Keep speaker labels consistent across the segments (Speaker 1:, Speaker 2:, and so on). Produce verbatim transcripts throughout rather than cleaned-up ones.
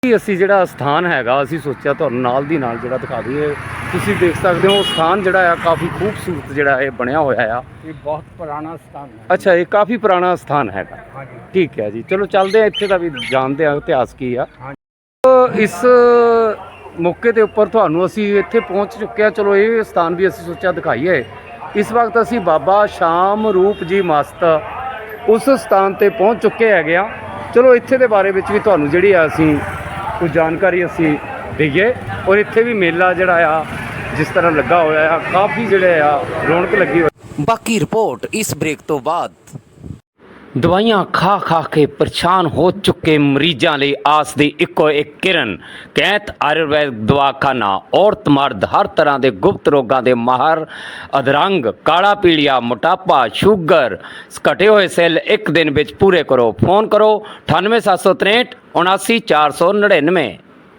Speaker 1: ਅਸੀਂ ਜਿਹੜਾ ਸਥਾਨ ਹੈਗਾ ਅਸੀਂ ਸੋਚਿਆ ਤੁਹਾਨੂੰ ਨਾਲ ਦੀ ਨਾਲ ਜਿਹੜਾ ਦਿਖਾ ਦਈਏ। ਤੁਸੀਂ ਦੇਖ ਸਕਦੇ ਹੋ ਸਥਾਨ ਜਿਹੜਾ ਆ ਕਾਫੀ ਖੂਬਸੂਰਤ ਜਿਹੜਾ ਇਹ ਬਣਿਆ ਹੋਇਆ ਆ।
Speaker 2: ਇਹ ਬਹੁਤ ਪੁਰਾਣਾ ਸਥਾਨ ਹੈ।
Speaker 1: ਅੱਛਾ, ਇਹ ਕਾਫੀ ਪੁਰਾਣਾ ਸਥਾਨ ਹੈਗਾ।
Speaker 2: ਹਾਂਜੀ
Speaker 1: ਠੀਕ ਹੈ ਜੀ, ਚਲੋ ਚੱਲਦੇ ਆ, ਇੱਥੇ ਦਾ ਵੀ ਜਾਣਦੇ ਆ ਇਤਿਹਾਸ ਕੀ ਆ। ਇਸ ਮੌਕੇ ਦੇ ਉੱਪਰ ਤੁਹਾਨੂੰ ਅਸੀਂ ਇੱਥੇ ਪਹੁੰਚ ਚੁੱਕੇ ਆ। ਚਲੋ ਇਹ ਸਥਾਨ ਵੀ ਅਸੀਂ ਸੋਚਿਆ ਦਿਖਾਈਏ। ਇਸ ਵਕਤ ਅਸੀਂ ਬਾਬਾ ਸ਼ਾਮ ਰੂਪ ਜੀ ਮਸਤ ਉਸ ਸਥਾਨ ਤੇ ਪਹੁੰਚ ਚੁੱਕੇ ਹੈਗੇ ਆ। ਚਲੋ ਇੱਥੇ ਦੇ ਬਾਰੇ ਵਿੱਚ ਵੀ ਤੁਹਾਨੂੰ ਜਿਹੜੀ ਆ ਅਸੀਂ ਕੁਝ ਜਾਣਕਾਰੀ ਅਸੀਂ ਦਈਏ। ਔਰ ਇੱਥੇ ਵੀ ਮੇਲਾ ਜਿਹੜਾ ਆ ਜਿਸ ਤਰ੍ਹਾਂ ਲੱਗਾ ਹੋਇਆ ਆ, ਕਾਫੀ ਜਿਹੜੇ ਆ ਰੌਣਕ ਲੱਗੀ ਹੋਈ।
Speaker 3: ਬਾਕੀ ਰਿਪੋਰਟ ਇਸ ਬ੍ਰੇਕ ਤੋਂ ਬਾਅਦ।
Speaker 1: ਦਵਾਈਆਂ ਖਾ ਖਾ ਕੇ ਪਰੇਸ਼ਾਨ ਹੋ ਚੁੱਕੇ ਮਰੀਜ਼ਾਂ ਲਈ ਆਸ ਦੀ ਇੱਕੋ ਇੱਕ ਕਿਰਨ ਕੈਂਤ ਆਯੁਰਵੈਦ ਦਵਾਖਾਨਾ। ਔਰਤ ਮਰਦ ਹਰ ਤਰ੍ਹਾਂ ਦੇ ਗੁਪਤ ਰੋਗਾਂ ਦੇ ਮਾਹਰ ਅਧਰੰਗ, ਕਾਲਾ ਪੀਲੀਆ, ਮੋਟਾਪਾ, ਸ਼ੂਗਰ, ਘਟੇ ਹੋਏ ਸੈੱਲ ਇੱਕ ਦਿਨ ਵਿੱਚ ਪੂਰੇ ਕਰੋ। ਫੋਨ ਕਰੋ ਅਠਾਨਵੇਂ ਸੱਤ ਸੌ ਤ੍ਰੇਹਠ ਉਨਾਸੀ ਚਾਰ ਸੌ ਨੜਿਨਵੇਂ।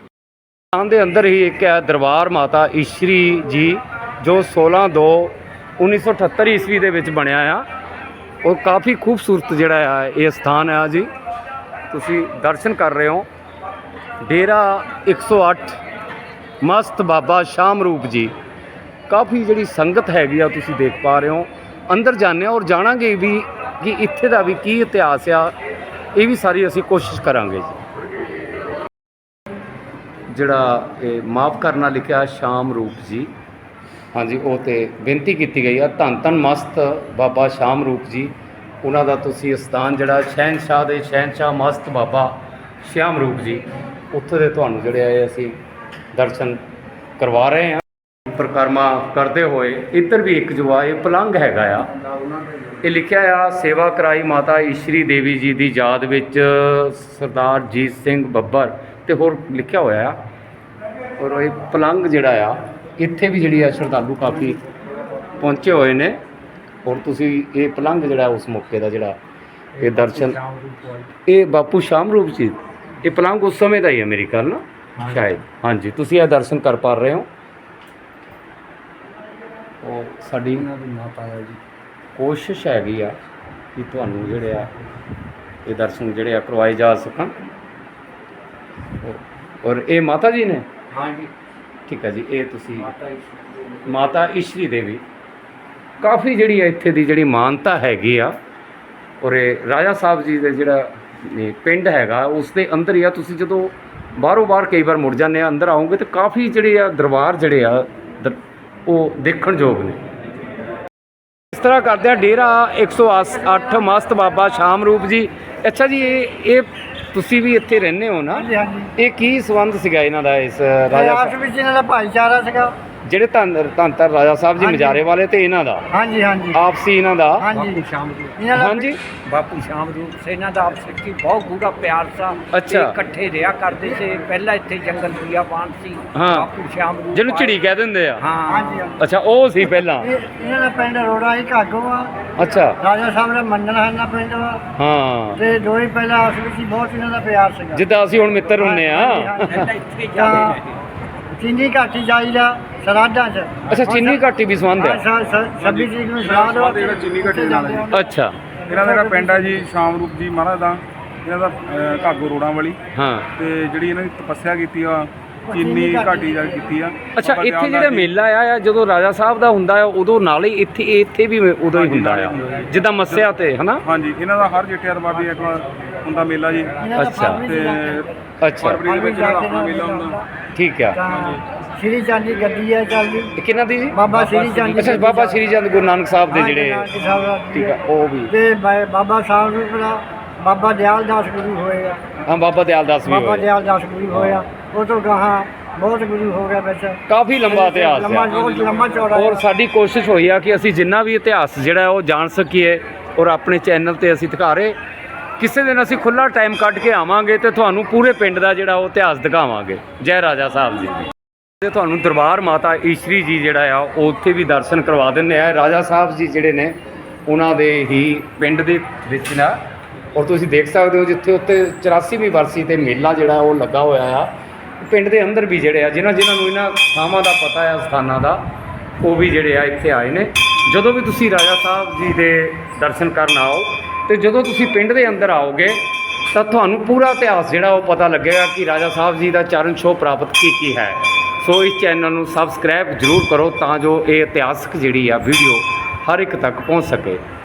Speaker 1: ਦੇ ਅੰਦਰ ਹੀ ਇੱਕ ਹੈ ਦਰਬਾਰ ਮਾਤਾ ਈਸ਼ਰੀ ਜੀ, ਜੋ ਸੋਲਾਂ ਦੋ ਉੱਨੀ ਸੌ ਅਠੱਤਰ ਈਸਵੀ ਦੇ ਵਿੱਚ ਬਣਿਆ ਆ। ਔਰ ਕਾਫੀ ਖੂਬਸੂਰਤ ਜਿਹੜਾ ਆ ਇਹ ਸਥਾਨ ਆ ਜੀ। ਤੁਸੀਂ ਦਰਸ਼ਨ ਕਰ ਰਹੇ ਹੋ ਡੇਰਾ ਇੱਕ ਸੌ ਅੱਠ ਮਸਤ ਬਾਬਾ ਸ਼ਾਮ ਰੂਪ ਜੀ। ਕਾਫੀ ਜਿਹੜੀ ਸੰਗਤ ਹੈਗੀ ਆ ਤੁਸੀਂ ਦੇਖ ਪਾ ਰਹੇ ਹੋ। ਅੰਦਰ ਜਾਂਦੇ ਹਾਂ ਔਰ ਜਾਣਾਂਗੇ ਵੀ ਕਿ ਇੱਥੇ ਦਾ ਵੀ ਕੀ ਇਤਿਹਾਸ ਆ। ਇਹ ਵੀ ਸਾਰੀ ਅਸੀਂ ਕੋਸ਼ਿਸ਼ ਕਰਾਂਗੇ ਜੀ। ਜਿਹੜਾ ਇਹ ਮਾਫ ਕਰਨਾ ਲਿਖਿਆ ਸ਼ਾਮ ਰੂਪ ਜੀ, ਹਾਂਜੀ, ਉਹ ਤੇ ਬੇਨਤੀ ਕੀਤੀ ਗਈ ਆ ਧੰਨ ਧੰਨ ਮਸਤ ਬਾਬਾ ਸ਼ਾਮ ਰੂਪ ਜੀ। ਉਹਨਾਂ ਦਾ ਤੁਸੀਂ ਸਥਾਨ ਜਿਹੜਾ ਸ਼ਹਿਨਸ਼ਾਹ ਦੇ ਸ਼ਹਿਨਸ਼ਾਹ ਮਸਤ ਬਾਬਾ ਸ਼ਾਮ ਰੂਪ ਜੀ, ਉੱਥੋਂ ਦੇ ਤੁਹਾਨੂੰ ਜਿਹੜੇ ਆ ਅਸੀਂ ਦਰਸ਼ਨ ਕਰਵਾ ਰਹੇ ਹਾਂ ਪਰਿਕਰਮਾ ਕਰਦੇ ਹੋਏ। ਇੱਧਰ ਵੀ ਇੱਕ ਜੋ ਆ ਇਹ ਪਲੰਘ ਹੈਗਾ ਆ। ਇਹ ਲਿਖਿਆ ਆ ਸੇਵਾ ਕਰਾਈ ਮਾਤਾ ਈਸ਼ਰੀ ਦੇਵੀ ਜੀ ਦੀ ਯਾਦ ਵਿੱਚ ਸਰਦਾਰ ਜੀਤ ਸਿੰਘ ਬੱਬਰ, ਤੇ ਹੋਰ ਲਿਖਿਆ ਹੋਇਆ ਆ। ਔਰ ਇਹ ਪਲੰਘ ਜਿਹੜਾ ਆ ਇੱਥੇ ਵੀ ਜਿਹੜੀ ਆ ਸ਼ਰਧਾਲੂ ਕਾਫੀ ਪਹੁੰਚੇ ਹੋਏ ਨੇ। ਔਰ ਤੁਸੀਂ ਇਹ ਪਲੰਘ ਜਿਹੜਾ ਉਸ ਮੌਕੇ ਦਾ ਜਿਹੜਾ ਇਹ ਦਰਸ਼ਨ, ਇਹ ਬਾਪੂ ਸ਼ਾਮ ਰੂਪ ਜੀ, ਇਹ ਪਲੰਘ ਉਸ ਸਮੇਂ ਦਾ ਹੀ ਹੈ ਮੇਰੇ ਖਿਆਲ ਨਾਲ ਸ਼ਾਇਦ। ਹਾਂਜੀ, ਤੁਸੀਂ ਇਹ ਦਰਸ਼ਨ ਕਰ ਪਾ ਰਹੇ ਹੋ। ਉਹ ਸਾਡੀ
Speaker 2: ਮਾਤਾ ਹੈ ਜੀ,
Speaker 1: ਕੋਸ਼ਿਸ਼ ਹੈਗੀ ਆ ਕਿ ਤੁਹਾਨੂੰ ਜਿਹੜੇ ਆ ਇਹ ਦਰਸ਼ਨ ਜਿਹੜੇ ਆ ਕਰਵਾਏ ਜਾ ਸਕਣ। ਔਰ ਇਹ ਮਾਤਾ ਜੀ ਨੇ,
Speaker 2: ਹਾਂਜੀ
Speaker 1: ਠੀਕ ਹੈ ਜੀ। ਇਹ ਤੁਸੀਂ ਮਾਤਾ ਈਸ਼ਰੀ ਦੇਵੀ, ਕਾਫੀ ਜਿਹੜੀ ਹੈ ਇੱਥੇ ਦੀ ਜਿਹੜੀ ਮਾਨਤਾ ਹੈਗੀ ਆ। ਔਰ ਇਹ ਰਾਜਾ ਸਾਹਿਬ ਜੀ ਦੇ ਜਿਹੜਾ ਪਿੰਡ ਹੈਗਾ ਉਸ ਦੇ ਅੰਦਰ ਹੀ ਆ। ਤੁਸੀਂ ਜਦੋਂ ਬਾਹਰੋਂ ਬਾਹਰ ਕਈ ਵਾਰ ਮੁੜ ਜਾਂਦੇ ਆ, ਅੰਦਰ ਆਓਗੇ ਤਾਂ ਕਾਫੀ ਜਿਹੜੇ ਆ ਦਰਬਾਰ ਜਿਹੜੇ ਆ ਉਹ ਦੇਖਣ ਯੋਗ ਨੇ। ਇਸ ਤਰ੍ਹਾਂ ਕਰਦੇ ਆ ਡੇਰਾ ਇੱਕ ਸੌ ਅੱਠ ਮਸਤ ਬਾਬਾ ਸ਼ਾਮ ਰੂਪ ਜੀ। ਅੱਛਾ ਜੀ, ਇਹ ਇਹ ਤੁਸੀਂ ਵੀ ਇੱਥੇ ਰਹਿੰਦੇ ਹੋ ਨਾ?
Speaker 2: ਹਾਂਜੀ ਹਾਂਜੀ।
Speaker 1: ਇਹ ਕੀ ਸੰਬੰਧ ਸੀਗਾ ਇਹਨਾਂ ਦਾ ਇਸ ਰਾਜਾ
Speaker 2: ਆਪਸ ਵਿੱਚ ਇਹਨਾਂ ਦਾ ਭਾਈਚਾਰਾ ਸੀਗਾ।
Speaker 1: ਜਿਹੜੇ ਧੰਨ ਧੰਨ ਧੰਨ ਰਾਜਾ ਸਾਹਿਬ ਜੀ ਮਜਾਰੇ ਵਾਲੇ ਤੇ ਇਹਨਾਂ ਦਾ
Speaker 2: ਹਾਂਜੀ ਹਾਂਜੀ
Speaker 1: ਆਪਸੀ ਇਹਨਾਂ ਦਾ?
Speaker 2: ਹਾਂਜੀ ਸ਼ਾਮ ਇਹਨਾਂ ਦਾ
Speaker 1: ਹਾਂਜੀ
Speaker 2: ਬਾਪੂ ਸ਼ਾਮ ਰੂਪ ਸੇ ਇਹਨਾਂ ਦਾ ਆਪਸ ਵਿੱਚ ਬਹੁਤ ਗੂੜਾ ਪਿਆਰ ਸਾ।
Speaker 1: ਅੱਛਾ।
Speaker 2: ਇਕੱਠੇ ਰਿਹਾ ਕਰਦੇ ਸੀ। ਪਹਿਲਾਂ ਇੱਥੇ ਜੰਗਲ ਪੀਆ ਬਾਣ ਸੀ।
Speaker 1: ਹਾਂ।
Speaker 2: ਬਾਪੂ ਸ਼ਾਮ ਰੂਪ
Speaker 1: ਜਿਹਨੂੰ ਝਿੜੀ ਕਹਿ ਦਿੰਦੇ ਆ।
Speaker 2: ਹਾਂ ਹਾਂਜੀ।
Speaker 1: ਅੱਛਾ, ਉਹ ਸੀ ਪਹਿਲਾਂ।
Speaker 2: ਇਹ ਇਹਨਾਂ ਦਾ ਪਿੰਡ ਰੋੜਾ ਹੀ ਘਾਗੋ ਆ।
Speaker 1: ਅੱਛਾ।
Speaker 2: ਰਾਜਾ ਸਾਹਿਬ ਦਾ ਮੰਨਣ ਹੈ ਨਾ ਪਿੰਡ ਵਾ।
Speaker 1: ਹਾਂ,
Speaker 2: ਤੇ ਦੋਈ ਪਹਿਲਾਂ ਆਪਸ ਵਿੱਚ ਹੀ ਬਹੁਤ ਇਹਨਾਂ ਦਾ ਪਿਆਰ ਸੀਗਾ।
Speaker 1: ਜਿੱਦਾਂ ਅਸੀਂ ਹੁਣ ਮਿੱਤਰ ਹੁੰਨੇ ਆ।
Speaker 2: ਇੱਥੇ ਜਾਂਦੇ ਚੀਨੀ ਘਾਟੀ ਜਾਈਦਾ ਸਰਾਧਾਂ 'ਚ।
Speaker 1: ਅੱਛਾ, ਚੀਨੀ ਘਾਟੀ ਵੀ ਸੰਬੰਧ ਹੈ।
Speaker 2: ਛੱਬੀ ਤਰੀਕ ਨੂੰ ਸਰਾਧ ਹੋ
Speaker 4: ਜਿਹੜਾ ਚੀਨੀ ਘਾਟੀ ਨਾਲ ਹੈ।
Speaker 1: ਅੱਛਾ।
Speaker 4: ਇਹਨਾਂ ਦਾ ਜਿਹੜਾ ਪਿੰਡ ਹੈ ਜੀ ਸ਼ਾਮ ਰੂਪ ਜੀ ਮਹਾਰਾਜ ਦਾ, ਇਹਨਾਂ ਦਾ ਅਹ, ਘਾਗੋ ਰੋੜਾਂ ਵਾਲੀ।
Speaker 1: ਹਾਂ।
Speaker 4: ਤੇ ਜਿਹੜੀ ਇਹਨਾਂ ਦੀ ਤਪੱਸਿਆ ਕੀਤੀ ਆ ਚੀਨੀ ਘਾਟੀ ਜਾ ਕੀਤੀ ਆ।
Speaker 1: ਅੱਛਾ,
Speaker 4: ਬਾਬਾ
Speaker 1: ਇੱਥੇ
Speaker 4: ਦਿਆਲ
Speaker 1: ਜਿਹੜਾ
Speaker 4: ਦਾਸ ਜੀ-
Speaker 1: ਮੇਲਾ ਆ ਜਦੋਂ ਰਾਜਾ ਸਾਹਿਬ ਦਾ ਹੁੰਦਾ ਆ ਉਦੋਂ ਨਾਲ ਹੀ ਇੱਥੇ ਇੱਥੇ ਵੀ ਉਦੋਂ ਹੀ ਹੁੰਦਾ ਆ ਜਿੱਦਾਂ ਮੱਸਿਆ ਤੇ ਹਨਾ।
Speaker 4: ਹਾਂਜੀ, ਇਹਨਾਂ ਦਾ ਹਰ ਜੇਠੇ ਐਤਵਾਰ ਦੀ ਇੱਕ ਵਾਰ ਹੁੰਦਾ ਮੇਲਾ ਜੀ।
Speaker 1: ਅੱਛਾ।
Speaker 4: ਤੇ
Speaker 1: ਅੱਛਾ,
Speaker 4: ਫਰਵਰੀ ਦੇ ਵਿੱਚ ਇਹਨਾਂ ਦਾ ਆਪਣਾ ਮੇਲਾ ਹੁੰਦਾ।
Speaker 1: ਠੀਕ ਆ।
Speaker 2: ਸ਼੍ਰੀ ਚਾਂਦੀ ਗੱਡੀ ਹੈ ਚੱਲਦੀ।
Speaker 1: ਇਹ ਕਿਹਨਾਂ ਦੀ ਜੀ?
Speaker 2: ਬਾਬਾ ਸ਼੍ਰੀ ਚੰਦ।
Speaker 1: ਅੱਛਾ, ਬਾਬਾ ਸ਼੍ਰੀ ਚੰਦ ਗੁਰੂ ਨਾਨਕ ਸਾਹਿਬ ਦੇ ਜਿਹੜੇ।
Speaker 2: ਨਾਨਕ ਸਾਹਿਬ ਦਾ
Speaker 1: ਠੀਕ ਆ, ਉਹ ਵੀ।
Speaker 2: ਤੇ ਬਾ- ਬਾਬਾ ਸਾਹਿਬ ਨੂੰ ਦਾ ਬਾਬਾ ਦਿਆਲ ਦਾਸ ਗੁਰੂ ਹੋਏ ਆ।
Speaker 1: ਹਾਂ, ਬਾਬਾ ਦਿਆਲ ਦਾਸ ਵੀ
Speaker 2: ਬਾਬਾ
Speaker 1: ਹੋਏ।
Speaker 2: ਦਿਆਲ ਦਾਸ ਗੁਰੂ ਹੋਇਆ। ਉਹ ਤੋਂ ਗਾਹਾਂ ਬਹੁਤ ਗੁਰੂ ਹੋ ਗਿਆ ਵਿੱਚ।
Speaker 1: ਕਾਫੀ ਲੰਬਾ ਇਤਿਹਾਸ
Speaker 2: ਲੰਮਾ
Speaker 1: ਹੈ।
Speaker 2: ਬਹੁਤ ਲੰਮਾ ਚੌੜਾ
Speaker 1: ਔਰ
Speaker 2: ਹੈ।
Speaker 1: ਸਾਡੀ ਕੋਸ਼ਿਸ਼ ਹੋਈ ਆ ਕਿ ਅਸੀਂ ਜਿੰਨਾ ਵੀ ਇਤਿਹਾਸ ਜਿਹੜਾ ਉਹ ਜਾਣ ਸਕੀਏ ਔਰ ਆਪਣੇ ਚੈਨਲ ਤੇ ਅਸੀਂ ਦਿਖਾ ਰਹੇ। ਕਿਸੇ ਦਿਨ ਅਸੀਂ ਖੁੱਲ੍ਹਾ ਟਾਈਮ ਕੱਢ ਕੇ ਆਵਾਂਗੇ ਤੇ ਤੁਹਾਨੂੰ ਪੂਰੇ ਪਿੰਡ ਦਾ ਜਿਹੜਾ ਉਹ ਇਤਿਹਾਸ ਦਿਖਾਵਾਂਗੇ। ਜੈ ਰਾਜਾ ਸਾਹਿਬ ਜੀ। ਤੇ ਤੁਹਾਨੂੰ ਦਰਬਾਰ ਮਾਤਾ ਈਸ਼ਰੀ ਜੀ ਜਿਹੜਾ ਆ ਉਹ ਉੱਥੇ ਵੀ ਦਰਸ਼ਨ ਕਰਵਾ ਦਿੰਦੇ ਆ। ਰਾਜਾ ਸਾਹਿਬ ਜੀ ਜਿਹੜੇ ਨੇ ਉਹਨਾਂ ਦੇ ਹੀ ਪਿੰਡ ਦੇ ਵਿੱਚ ਨਾ। ਔਰ ਤੁਸੀਂ ਦੇਖ ਸਕਦੇ ਹੋ ਜਿੱਥੇ ਉੱਤੇ ਚੁਰਾਸੀਵੀਂ ਵਰਸੀ ਤੇ ਮੇਲਾ ਜਿਹੜਾ ਉਹ ਲੱਗਾ ਹੋਇਆ ਆ। ਪਿੰਡ ਦੇ ਅੰਦਰ ਵੀ ਜਿਹੜੇ ਆ ਜਿਨ੍ਹਾਂ ਜਿਨ੍ਹਾਂ ਨੂੰ ਇਹਨਾਂ ਥਾਵਾਂ ਦਾ ਪਤਾ ਆ ਸਥਾਨਾਂ ਦਾ, ਉਹ ਵੀ ਜਿਹੜੇ ਆ ਇੱਥੇ ਆਏ ਨੇ। ਜਦੋਂ ਵੀ ਤੁਸੀਂ ਰਾਜਾ ਸਾਹਿਬ ਜੀ ਦੇ ਦਰਸ਼ਨ ਕਰਨ ਆਓ ਤੇ ਜਦੋਂ ਤੁਸੀਂ ਪਿੰਡ ਦੇ ਅੰਦਰ ਆਓਗੇ ਤਾਂ ਤੁਹਾਨੂੰ ਪੂਰਾ ਇਤਿਹਾਸ ਜਿਹੜਾ ਉਹ ਪਤਾ ਲੱਗੇਗਾ ਕਿ ਰਾਜਾ ਸਾਹਿਬ ਜੀ ਦਾ ਚਰਨ ਛੋਹ ਪ੍ਰਾਪਤ ਕੀ ਕੀ ਹੈ। ਸੋ ਇਸ ਚੈਨਲ ਨੂੰ ਸਬਸਕ੍ਰਾਈਬ ਜ਼ਰੂਰ ਕਰੋ ਤਾਂ ਜੋ ਇਹ ਇਤਿਹਾਸਕ ਜਿਹੜੀ ਆ ਵੀਡੀਓ ਹਰ ਇੱਕ ਤੱਕ ਪਹੁੰਚ ਸਕੇ।